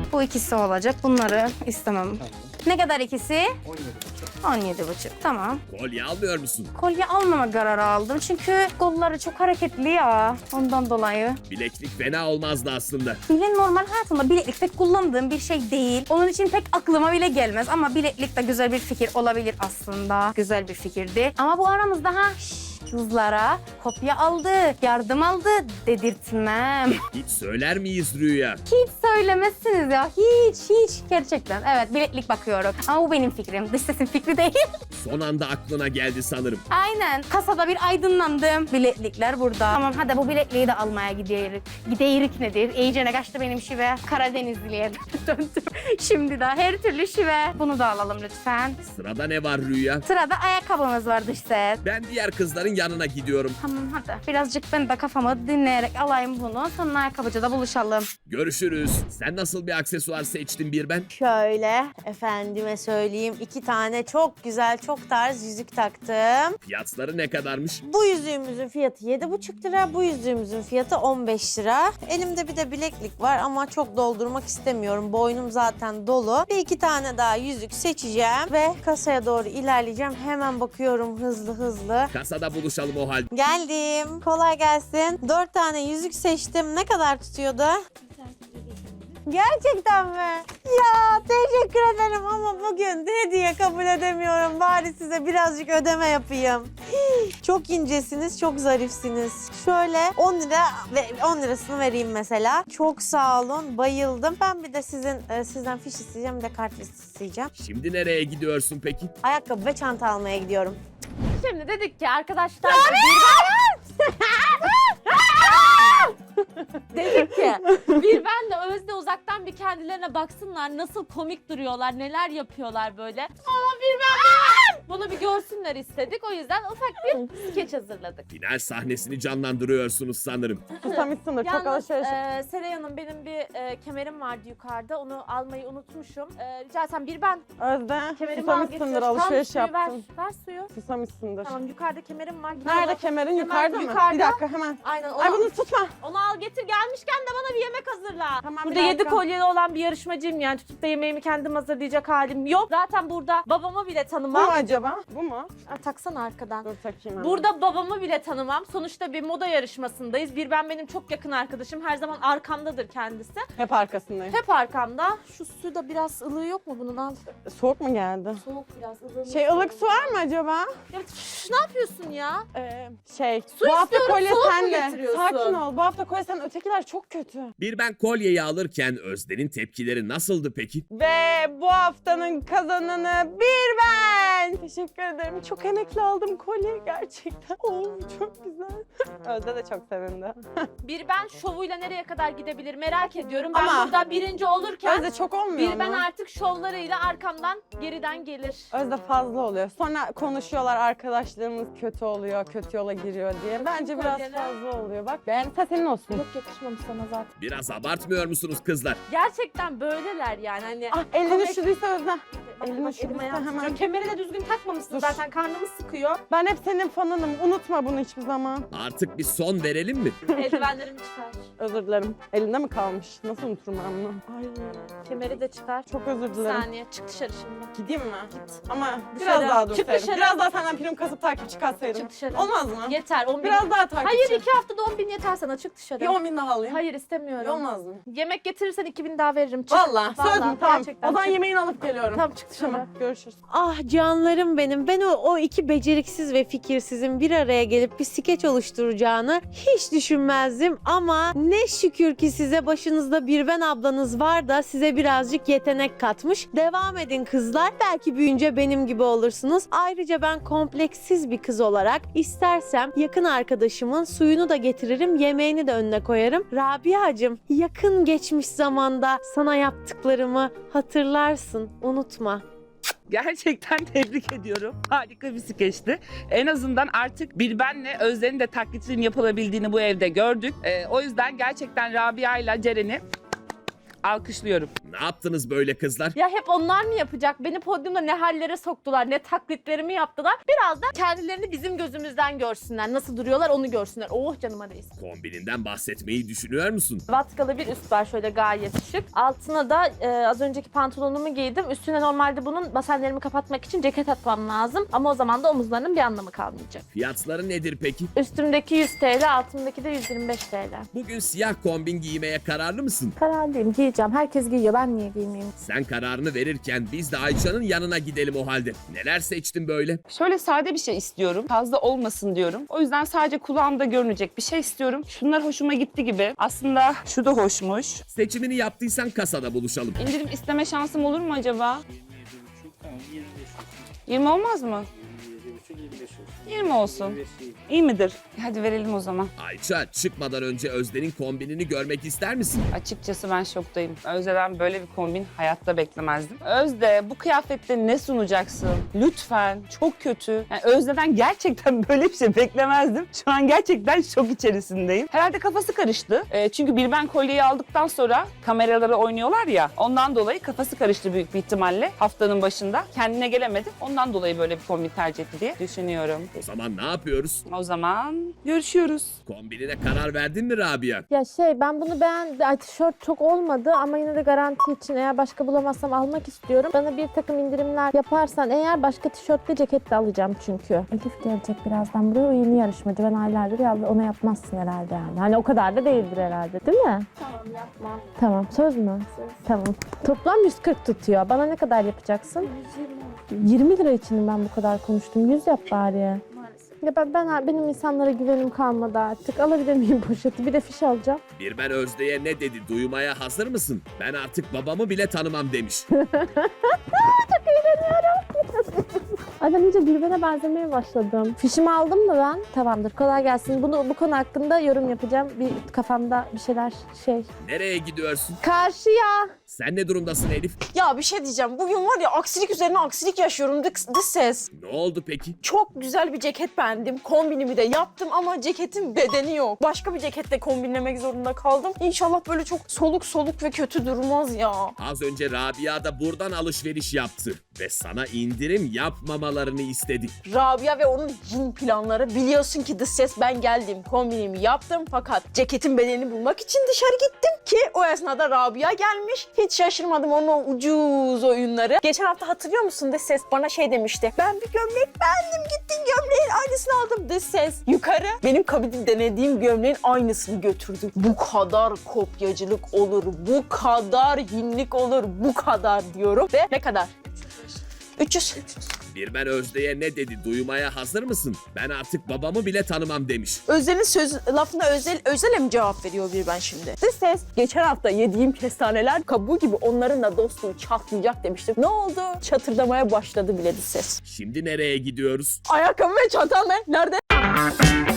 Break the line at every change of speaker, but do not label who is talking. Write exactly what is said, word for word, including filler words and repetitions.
Bu ikisi olacak. Bunları istemem.
Tamam.
Ne kadar ikisi?
on yedi buçuk.
on yedi buçuk. Tamam.
Kolye almıyor musun?
Kolye almama kararı aldım. Çünkü kolları çok hareketli ya. Ondan dolayı.
Bileklik fena olmazdı aslında.
Bile normal hayatımda bileklik pek kullandığım bir şey değil. Onun için pek aklıma bile gelmez. Ama bileklik de güzel bir fikir olabilir aslında. Güzel bir fikirdi. Ama bu aramızda ha... Şşş, kızlara kopya aldı, yardım aldı dedirtmem.
Hiç söyler miyiz Rüya?
Hiç söylemezsiniz ya. Hiç, hiç. Gerçekten. Evet, bileklik bakıyorum. Ama bu benim fikrim. Dış sesin fikri değil.
Son anda aklına geldi sanırım.
Aynen. Kasada bir aydınlandım. Bileklikler burada. Tamam hadi bu bilekliği de almaya gidiyoruz. Gidiyoruz nedir? İyicene kaçtı benim şive. Karadenizli'ye döndüm. Şimdi de her türlü şive. Bunu da alalım lütfen.
Sırada ne var Rüya?
Sırada ayakkabımız var dış ses.
Ben diğer kızların yanına gidiyorum.
Tamam hadi. Birazcık ben de kafamı dinleyerek alayım bunu. Sonra ayakkabıcıda buluşalım.
Görüşürüz. Sen nasıl bir aksesuar seçtin bir ben?
Şöyle efendime söyleyeyim iki tane çok güzel çok tarz yüzük taktım.
Fiyatları ne kadarmış?
Bu yüzüğümüzün fiyatı yedi buçuk lira, bu yüzüğümüzün fiyatı on beş lira. Elimde bir de bileklik var ama çok doldurmak istemiyorum. Boynum zaten dolu. Bir iki tane daha yüzük seçeceğim ve kasaya doğru ilerleyeceğim. Hemen bakıyorum hızlı hızlı.
Kasada buluşalım o halde.
Geldim. Kolay gelsin. Dört tane yüzük seçtim. Ne kadar tutuyordu? Gerçekten mi? Ya teşekkür ederim ama bugün hediye kabul edemiyorum. Bari size birazcık ödeme yapayım. Hii, çok incesiniz, çok zarifsiniz. Şöyle on lira ve on lirasını vereyim mesela. Çok sağ olun, bayıldım. Ben bir de sizin e, sizden fiş isteyeceğim, bir de kart isteyeceğim.
Şimdi nereye gidiyorsun peki?
Ayakkabı ve çanta almaya gidiyorum.
Şimdi dedik ki arkadaşlar dedik ki bir ben de Özde uzaktan bir kendilerine baksınlar nasıl komik duruyorlar, neler yapıyorlar böyle. Ama bir ben bunu bir görsünler istedik. O yüzden ufak bir skeç hazırladık.
Final sahnesini canlandırıyorsunuz sanırım.
Susamışsındır, çok
Yalnız
alışveriş.
e, Seray Hanım benim bir e, kemerim vardı yukarıda. Onu almayı unutmuşum. E, rica etsem bir ben
Özde,
kemerimi al getir.
susamışsındır,
Tamam,
alışveriş
suyu ver.
yaptın.
Ver suyu.
Susamışsındır.
Tamam yukarıda kemerim var. Gidin
Nerede
onu-
kemerin?
Kemer
Yukarıda mı?
yukarıda.
Bir dakika hemen.
Aynen onu,
Ay bunu tutma.
onu al getir gelmişken de bana bir yemek hazırla.
Tamam,
Burada
bir
yedi
dakika.
kolyeli olan bir yarışmacıyım yani tutup da yemeğimi kendim hazırlayacak halim yok. Zaten burada babamı bile
Bu
tanımam.
mu acaba? Bu mu?
Aa, taksana arkadan.
Dur takayım hemen.
Burada babamı bile tanımam. Sonuçta bir moda yarışmasındayız. Bir ben benim çok yakın arkadaşım. Her zaman arkamdadır kendisi.
Hep arkasındayım.
Hep arkamda. Şu su da biraz ılığı yok mu bunun al.
Soğuk mu geldi?
Soğuk biraz ılığı.
Şey ılık su var mı acaba?
Ya, üf, ne yapıyorsun ya?
Ee, şey,
Su
bu hafta
istiyorum,
kolye
soğuk mu
sende.
getiriyorsun?
Sakin ol, bu hafta kolye sen, ötekiler çok kötü.
Bir ben kolyeyi alırken Özde'nin tepkileri nasıldı peki?
Ve bu haftanın kazananı bir ben. Teşekkür ederim. Çok emekli aldım kolye gerçekten. Oo, çok güzel. Özde de çok sevindi.
Bir ben şovuyla nereye kadar gidebilir merak ediyorum. Ben
Ama-
burada birinci olurken
Özde çok olmuyor
bir ben
mu?
artık şovlarıyla arkamdan geriden gelir.
Özde fazla oluyor. Sonra konuşuyorlar arkadaşlığımız kötü oluyor, kötü yola giriyor diye. Bence biraz
kolyene.
fazla oluyor. Bak beğense senin olsun.
Yok yakışmamış sana zaten.
Biraz abartmıyor musunuz kızlar?
Gerçekten böyleler yani hani.
Ah elini
Komik.
üşüdüyse Özde.
Bak,
elini
bak,
üşüdüyse
elime
hemen.
yaptıracağım. Kemeri de düzgün takmamışsın
Dur.
zaten karnımı sıkıyor.
Ben hep senin fanınım. Unutma bunu hiçbir zaman.
Artık bir son verelim mi?
Eldivenlerimi çıkar.
Özür dilerim. Elinde mi kalmış? Nasıl unuturum ben bunu?
Ay kemeri de çıkar.
Çok özür
Bir
dilerim.
saniye çık dışarı şimdi.
Gideyim mi?
Git.
Ama
Dışarı.
biraz daha
Çık
dursaydım.
dışarı.
Biraz daha senden prim kasıp takipçi katsaydım.
Çık dışarı.
Olmaz mı?
Yeter on bin.
Biraz daha takipçi.
Hayır iki haftada on bin yeter sana çık dışarı.
Bir on bin daha alayım.
Hayır istemiyorum.
Olmaz mı?
Yemek getirirsen iki bin daha veririm. Çık.
Valla söz
Vallahi,
mü? Tamam.
gerçekten
O zaman
çık.
yemeğini alıp geliyorum.
Tamam çık dışarı.
Tamam. Görüşürüz.
Ah canlarım benim. Ben o, o iki beceriksiz ve fikirsizin bir araya gelip bir skeç oluşturacağını hiç düşünmezdim. Ama ne şükür ki size başınızda bir ben ablanız var da size birazcık yetenek katmış. Devam edin kızlar. Belki büyüyünce benim gibi olursunuz. Ayrıca ben kompleksiz bir kız olarak istersem yakın arkadaşımın suyunu da getiririm, yemeğini de önüne koyarım. Rabia'cığım yakın geçmiş zamanda sana yaptıklarımı hatırlarsın. Unutma.
Gerçekten tebrik ediyorum. Harika bir skeçti. En azından artık bir benle Özden'in de taklitinin yapılabildiğini bu evde gördük. Ee, o yüzden gerçekten Rabia ile Ceren'i Alkışlıyorum.
Ne yaptınız böyle kızlar?
Ya hep onlar mı yapacak? Beni podyumda ne hallere soktular, ne taklitlerimi yaptılar. Biraz da kendilerini bizim gözümüzden görsünler. Nasıl duruyorlar onu görsünler. Oh canıma değsin.
Kombininden bahsetmeyi düşünüyor musun?
Vatkalı bir üst var şöyle gayet şık. Altına da e, az önceki pantolonumu giydim. Üstüne normalde bunun basenlerimi kapatmak için ceket atmam lazım. Ama o zaman da omuzlarının bir anlamı kalmayacak.
Fiyatları nedir peki?
Üstümdeki yüz TL, altımdaki de yüz yirmi beş TL.
Bugün siyah kombin giymeye kararlı mısın?
Kararlıyım, giyeceğim. Herkes giyiyor, ben niye giymeyeyim?
Sen kararını verirken biz de Ayça'nın yanına gidelim o halde. Neler seçtin böyle?
Şöyle sade bir şey istiyorum. Fazla olmasın diyorum. O yüzden sadece kulağımda görünecek bir şey istiyorum. Şunlar hoşuma gitti gibi. Aslında şu da hoşmuş.
Seçimini yaptıysan kasada buluşalım.
İndirim isteme şansım olur mu acaba? yirmi olmaz mı? yirmi olsun. İyi midir? Hadi verelim o zaman.
Ayça, çıkmadan önce Özden'in kombinini görmek ister misin?
Açıkçası ben şoktayım. Özde'den böyle bir kombin hayatta beklemezdim. Özde, bu kıyafette ne sunacaksın? Lütfen. Çok kötü. Yani Özde'den gerçekten böyle bir şey beklemezdim. Şu an gerçekten şok içerisindeyim. Herhalde kafası karıştı. E, çünkü bir ben kolyeyi aldıktan sonra kameralara oynuyorlar ya. Ondan dolayı kafası karıştı büyük bir ihtimalle haftanın başında. Kendine gelemedi. Ondan dolayı böyle bir kombin tercih etti diye düşünüyorum.
O zaman ne yapıyoruz?
O zaman görüşüyoruz.
Kombinine karar verdin mi Rabia?
Ya şey, ben bunu beğendim. Ay, tişört çok olmadı ama yine de garanti için eğer başka bulamazsam almak istiyorum. Bana bir takım indirimler yaparsan eğer başka tişörtle ceket de alacağım çünkü. Elif gelecek birazdan buraya. O yeni yarışmacı. Ben aylardır ya ona yapmazsın herhalde yani. Hani o kadar da değildir herhalde, değil mi?
Tamam yapmam.
Tamam, söz mü? Söz. Tamam. Toplam yüz kırk tutuyor. Bana ne kadar yapacaksın? yirmi lira için mi ben bu kadar konuştum? yüz yap bari. Ya ben, ben benim insanlara güvenim kalmadı artık. Alabilir miyim poşeti? Bir de fiş alacağım.
Bir ben Özde'ye ne dedi duymaya hazır mısın? Ben artık babamı bile tanımam demiş.
Ay, ben iyice birbirine benzemeye başladım. Fişimi aldım mı ben? Tamamdır, kolay gelsin. Bunu bu konu hakkında yorum yapacağım. Bir kafamda bir şeyler şey.
Nereye gidiyorsun?
Karşıya.
Sen ne durumdasın Elif?
Ya bir şey diyeceğim. Bugün var ya aksilik üzerine aksilik yaşıyorum. Dış, dış ses.
Ne oldu peki?
Çok güzel bir ceket beğendim. Kombinimi de yaptım ama ceketin bedeni yok. Başka bir ceketle kombinlemek zorunda kaldım. İnşallah böyle çok soluk soluk ve kötü durmaz ya.
Az önce Rabia da buradan alışveriş yaptı ve sana indirim yapmamalarını istedi.
Rabia ve onun cin planları. Biliyorsun ki dış ses, ben geldim. Kombinimi yaptım fakat ceketin bedenini bulmak için dışarı gittim ki o esnada Rabia gelmiş. Hiç şaşırmadım onun o ucuz oyunları. Geçen hafta hatırlıyor musun dış ses bana şey demişti. Ben bir gömlek beğendim, gittim gömleğin aynısını aldım. Dış ses yukarı benim kabinde denediğim gömleğin aynısını götürdü. Bu kadar kopyacılık olur, bu kadar hinlik olur, bu kadar diyorum. Ve ne kadar? üç yüz.
Bir ben Özde'ye ne dedi duymaya hazır mısın? Ben artık babamı bile tanımam demiş.
Özel'in söz lafına özel özele mi cevap veriyor bir ben şimdi? Dış ses geçen hafta yediğim kestaneler kabuğu gibi onların da dostluğu çatlayacak demiştim. Ne oldu? Çatırdamaya başladı bile dış ses.
Şimdi nereye gidiyoruz?
Ayakkabı ve çantam ne? Nerede?